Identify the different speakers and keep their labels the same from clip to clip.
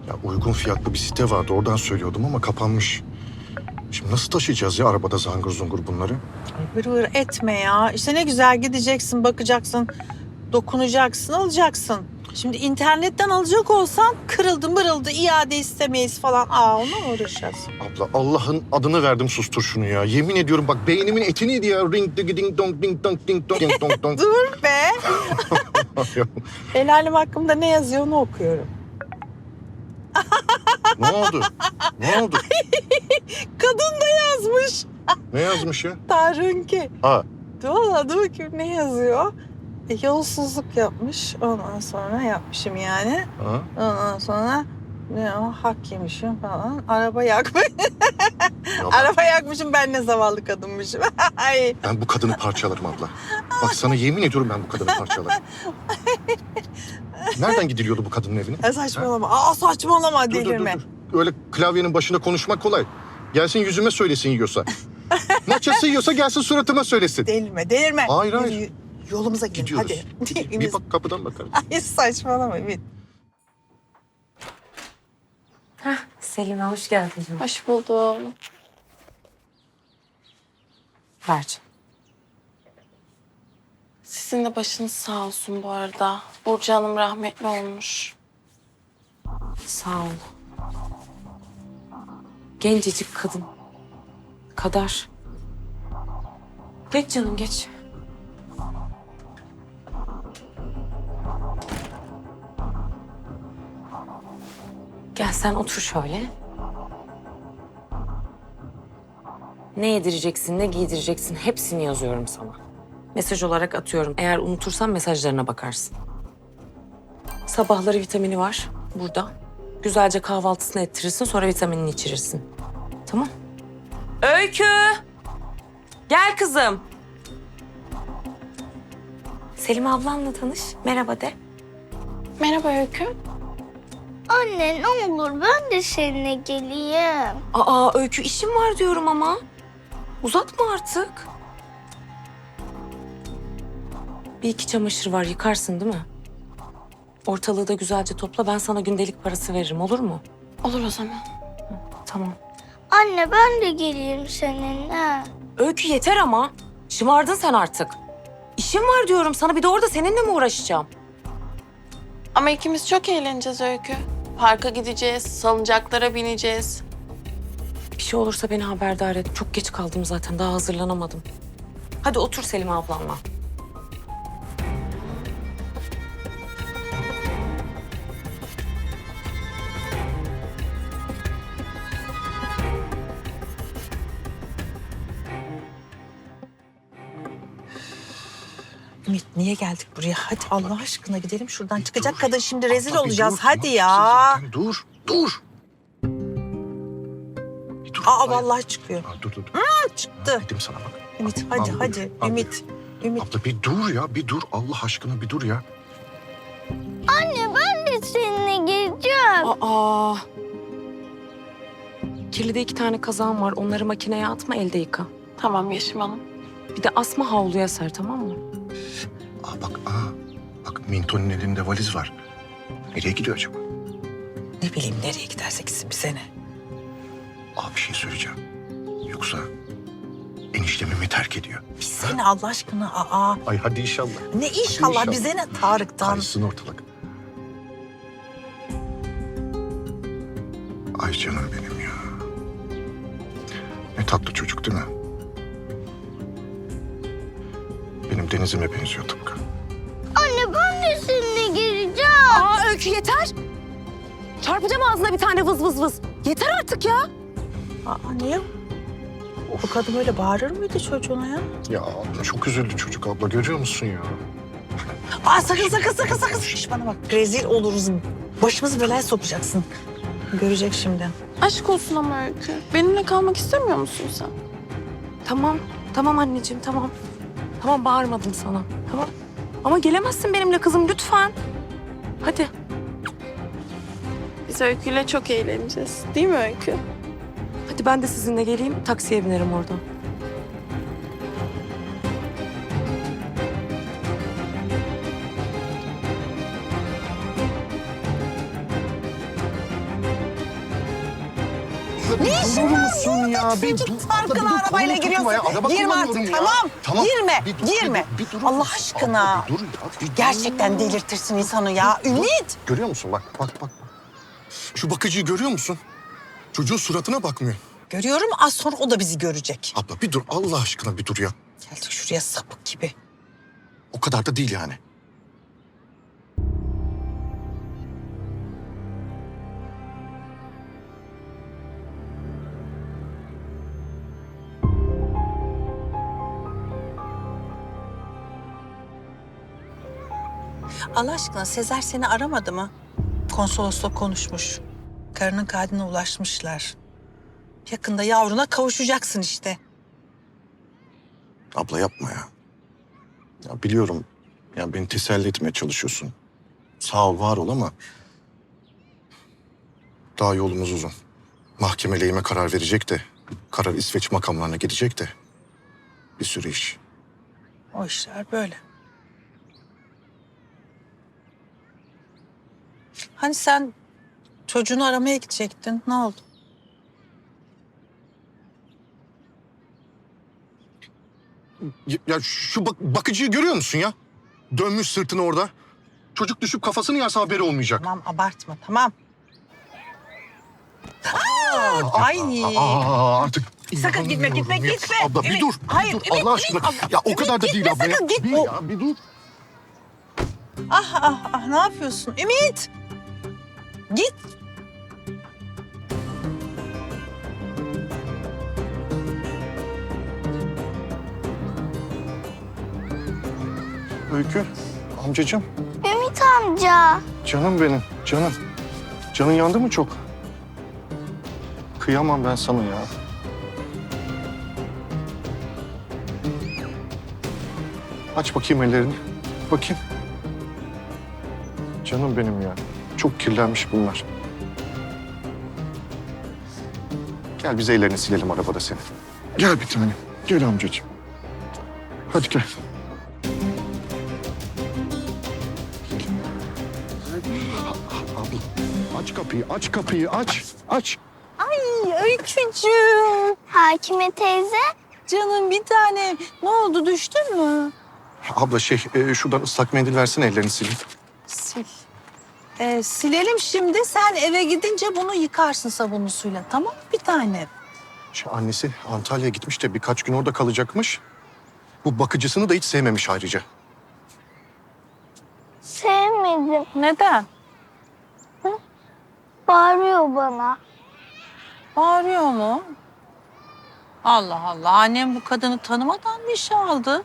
Speaker 1: Ya uygun fiyatlı bir site vardı, oradan söylüyordum ama kapanmış. Şimdi nasıl taşıyacağız ya arabada zangır zungur bunları?
Speaker 2: Vır vır etme ya. İşte ne güzel gideceksin, bakacaksın, dokunacaksın, alacaksın. Şimdi internetten alacak olsan kırıldı mırıldı, iade istemeyiz falan. Onunla mı uğraşacağız?
Speaker 1: Abla Allah'ın adını verdim sustur şunu ya. Yemin ediyorum bak beynimin eti neydi ya? Ring ding ding dong ding dong ding dong ding dong dong.
Speaker 2: Dur be. El alem hakkında ne yazıyor onu okuyorum.
Speaker 1: Ne oldu? Ne oldu?
Speaker 2: Kadın da yazmış.
Speaker 1: Ne yazmış ya?
Speaker 2: Tarınki.
Speaker 1: Ha,
Speaker 2: Valla dur bakayım ne yazıyor? Yolsuzluk yapmış. Ondan sonra yapmışım yani.
Speaker 1: ha.
Speaker 2: Ondan sonra ne o hak yemişim falan. Araba yakmış.
Speaker 1: Ya
Speaker 2: Araba yakmışım, ben ne zavallı kadınmışım. Ay.
Speaker 1: ben bu kadını parçalarım abla. Bak sana yemin ediyorum ben bu kadını parçalarım. Nereden gidiliyordu bu kadının evine?
Speaker 2: Saçmalama. Saçmalama,
Speaker 1: Dur,
Speaker 2: delirme.
Speaker 1: dur. Öyle klavyenin başında konuşmak kolay. Gelsin yüzüme söylesin yiyorsa. Maçası yiyorsa gelsin suratıma söylesin.
Speaker 2: Delirme.
Speaker 1: Hayır, hayır.
Speaker 2: Yürü, yolumuza gidelim
Speaker 1: Gidiyoruz.
Speaker 2: hadi.
Speaker 1: Bir bak kapıdan bakarım.
Speaker 2: Ay saçmalama Ümit.
Speaker 3: Selime hoş geldin canım.
Speaker 4: Hoş buldum.
Speaker 3: Ver canım.
Speaker 4: Sizin de başınız sağ olsun bu arada. Burcu Hanım rahmetli olmuş.
Speaker 3: Sağ ol. Gencecik kadın. Kadar. Geç canım geç. Gel sen otur şöyle. Ne yedireceksin, ne giydireceksin hepsini yazıyorum sana. Mesaj olarak atıyorum. Eğer unutursan mesajlarına bakarsın. Sabahları vitamini var burada. Güzelce kahvaltısını ettirirsin, sonra vitaminini içirirsin. Tamam. Öykü! Gel kızım. Selim ablanla tanış. Merhaba de.
Speaker 4: Merhaba Öykü.
Speaker 5: Anne ne olur ben de seninle geleyim.
Speaker 3: Aa Öykü işim var diyorum ama. Uzatma artık. Bir iki çamaşır var, yıkarsın değil mi? Ortalığı da güzelce topla, ben sana gündelik parası veririm, olur mu?
Speaker 4: Olur o zaman.
Speaker 3: Tamam.
Speaker 5: Anne ben de geleyim seninle.
Speaker 3: Öykü yeter ama. Şımardın sen artık. İşim var diyorum sana, bir de orada seninle mi uğraşacağım?
Speaker 4: Ama ikimiz çok eğleneceğiz Öykü. Parka gideceğiz, salıncaklara bineceğiz.
Speaker 3: Bir şey olursa beni haberdar et. Çok geç kaldım zaten, daha hazırlanamadım. Hadi otur Selim ablanla.
Speaker 2: Ümit niye geldik buraya? Hadi Allah aşkına gidelim şuradan. Çıkacak
Speaker 1: Dur.
Speaker 2: kadın şimdi rezil
Speaker 1: Abla bir
Speaker 2: olacağız.
Speaker 1: dur,
Speaker 2: Hadi
Speaker 1: tamam.
Speaker 2: ya.
Speaker 1: Sen dur, dur. Bir dur. Hayır.
Speaker 2: Vallahi çıkıyor.
Speaker 1: Dur.
Speaker 2: Çıktı.
Speaker 1: Dedim sana bak.
Speaker 2: Ümit
Speaker 1: Al,
Speaker 2: hadi
Speaker 1: al,
Speaker 2: hadi.
Speaker 1: buyur, al.
Speaker 2: Ümit. Ümit.
Speaker 1: Abla bir dur ya, bir dur. Allah aşkına bir dur ya.
Speaker 5: Anne ben de seninle geleceğim.
Speaker 3: Aa. Kirlide 2 tane kazağım var. Onları makineye atma, elde yıka.
Speaker 4: Tamam Yeşim Hanım.
Speaker 3: Bir de asma havluya ser, tamam mı?
Speaker 1: Bak Minto'nun elinde valiz var. Nereye gidiyor acaba?
Speaker 2: Ne bileyim nereye giderse gitsin bize ne?
Speaker 1: Bir şey söyleyeceğim. Yoksa eniştemi mi terk ediyor?
Speaker 2: Bize ne Allah aşkına?
Speaker 1: Ay hadi inşallah.
Speaker 2: Ne inşallah,
Speaker 1: inşallah.
Speaker 2: bize ne Tarık'tan?
Speaker 1: Karışsın ortalık. Ay canım benim ya. Ne tatlı çocuk değil mi? Benim Deniz'ime benziyor tıpkı.
Speaker 5: Anne ben de seninle geleceğim.
Speaker 3: Öykü yeter. Çarpacağım ağzına bir tane vız vız vız. Yeter artık ya.
Speaker 2: Niye? Bu kadın öyle bağırır mıydı çocuğuna ya?
Speaker 1: Ya çok üzüldü çocuk abla görüyor musun ya?
Speaker 2: Sakın. Şş, bana bak, rezil oluruz. Başımızı belaya sokacaksın. Görecek şimdi.
Speaker 4: Aşk olsun ama Öykü. Benimle kalmak istemiyor musun sen?
Speaker 3: Tamam anneciğim, tamam. Tamam, bağırmadım sana, tamam. Ama gelemezsin benimle kızım, lütfen. Hadi.
Speaker 4: Biz Öykü'yle çok eğleneceğiz. Değil mi Öykü?
Speaker 3: Hadi ben de sizinle geleyim, taksiye binerim oradan.
Speaker 1: abla bir durur musun ya? Bir dur.
Speaker 2: Çocuk
Speaker 1: Abla, bir
Speaker 2: parkına
Speaker 1: dur,
Speaker 2: arabayla
Speaker 1: kolumu tutma ya.
Speaker 2: giriyorsun.
Speaker 1: Araba
Speaker 2: Girme
Speaker 1: kullanıyorum
Speaker 2: artık,
Speaker 1: ya.
Speaker 2: tamam. Girme,
Speaker 1: Bir dur,
Speaker 2: girme.
Speaker 1: bir dur.
Speaker 2: Allah aşkına.
Speaker 1: Abla, bir dur ya. Bir dur.
Speaker 2: Gerçekten delirtirsin insanı ya. Ümit.
Speaker 1: Görüyor musun? Bak, bak, bak. Şu bakıcıyı görüyor musun? Çocuğun suratına bakmıyor.
Speaker 2: Görüyorum, az sonra o da bizi görecek.
Speaker 1: Abla bir dur, Allah aşkına bir dur ya.
Speaker 2: Geldik şuraya sapık gibi.
Speaker 1: O kadar da değil yani.
Speaker 2: Allah aşkına Sezer seni aramadı mı? Konsolosla konuşmuş. Karının katiline ulaşmışlar. Yakında yavruna kavuşacaksın işte.
Speaker 1: Abla yapma ya. Ya biliyorum, ya beni teselli etmeye çalışıyorsun. Sağ ol, var ol ama... daha yolumuz uzun. Mahkeme lehime karar verecek de... karar İsveç makamlarına gidecek de... bir sürü iş.
Speaker 2: O işler böyle. Hani sen çocuğunu aramaya gidecektin. Ne oldu?
Speaker 1: Ya şu bakıcıyı görüyor musun ya? Dönmüş sırtını orada. Çocuk düşüp kafasını yarsa haberi olmayacak.
Speaker 2: Tamam abartma, tamam. Ay.
Speaker 1: Artık
Speaker 2: Sakın gitme, gitme,
Speaker 1: inanamıyorum.
Speaker 2: gitme.
Speaker 1: Abla bir
Speaker 2: Ümit,
Speaker 1: dur,
Speaker 2: hayır,
Speaker 1: bir dur.
Speaker 2: Ümit,
Speaker 1: Allah aşkına.
Speaker 2: Ümit,
Speaker 1: Ya o
Speaker 2: Ümit,
Speaker 1: kadar da
Speaker 2: gitme,
Speaker 1: değil abla ya.
Speaker 2: sakın gitme.
Speaker 1: Bir ya, bir dur.
Speaker 2: Ah, ne yapıyorsun? Ümit! Git.
Speaker 1: Öykü, amcacığım.
Speaker 5: Ümit amca.
Speaker 1: Canım benim, canım. Canın yandı mı çok? Kıyamam ben sana ya. Aç bakayım ellerini. Bakayım. Canım benim ya. Çok kirlenmiş bunlar. Gel biz ellerini silelim arabada senin. Gel bir tanem. Gel amcacığım. Hadi gel. Abla, aç kapıyı, aç kapıyı, aç, aç.
Speaker 2: Öykücüğüm.
Speaker 5: Hakime teyze.
Speaker 2: Canım bir tane. Ne oldu, düştün mü?
Speaker 1: Abla şuradan ıslak mendil versene, ellerini sileyim.
Speaker 2: Sil. Silelim şimdi. Sen eve gidince bunu yıkarsın sabunlu suyla. Tamam bir tane.
Speaker 1: Annesi Antalya'ya gitmiş de birkaç gün orada kalacakmış. Bu bakıcısını da hiç sevmemiş ayrıca.
Speaker 5: Sevmedim.
Speaker 2: Neden?
Speaker 5: Bağırıyor bana.
Speaker 2: Bağırıyor mu? Allah Allah. Annem bu kadını tanımadan mı işe aldı?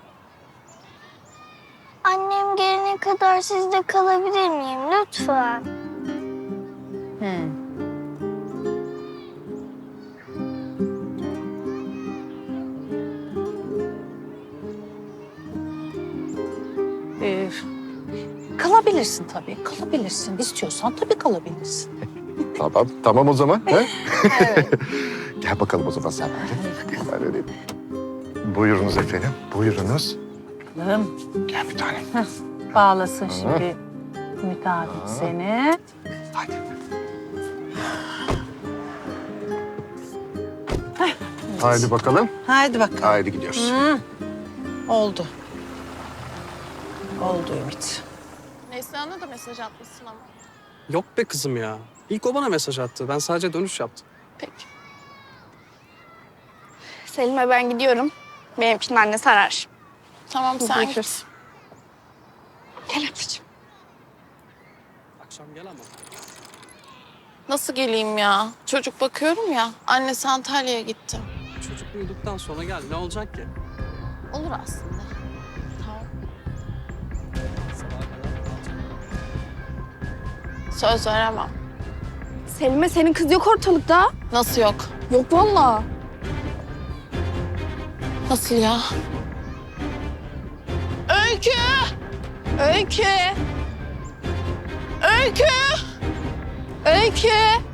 Speaker 5: Annem gelene kadar sizde kalabilir miyim lütfen? Kalabilirsin tabii. Kalabilirsin. İstiyorsan tabii kalabilirsin.
Speaker 1: Tamam, tamam o zaman. He? Gel bakalım o zaman sen böyle. Ben öyleyim. Buyurunuz efendim, buyurunuz.
Speaker 2: Bakalım.
Speaker 1: Gel bir tanem.
Speaker 2: Bağlasın şimdi Ümit abi seni.
Speaker 1: Hadi. Haydi bakalım.
Speaker 2: Haydi bakalım.
Speaker 1: Haydi gidiyoruz.
Speaker 2: Oldu. Oldu Ümit.
Speaker 4: Neslihan'a da mesaj atmışsın ama.
Speaker 6: Yok be kızım ya. İlk o bana mesaj attı. Ben sadece dönüş yaptım.
Speaker 4: Peki.
Speaker 7: Selim'e ben gidiyorum. Benim için annesi arar.
Speaker 4: Tamam sen
Speaker 7: Görüşürüz.
Speaker 4: git.
Speaker 7: Gel öpücüğüm.
Speaker 6: Akşam gel ama.
Speaker 4: Nasıl geleyim ya? Çocuk bakıyorum ya. Annesi Antalya'ya gitti.
Speaker 6: Çocuk uyuduktan sonra gel. Ne olacak ki?
Speaker 4: Olur aslında. Tamam.
Speaker 6: Sabaha kadar kalacak.
Speaker 4: Söz veremem.
Speaker 7: Selim'e senin kız yok ortalıkta.
Speaker 4: Nasıl yok?
Speaker 7: Yok vallahi.
Speaker 4: Nasıl ya? Öykü! Öykü! Öykü! Öykü!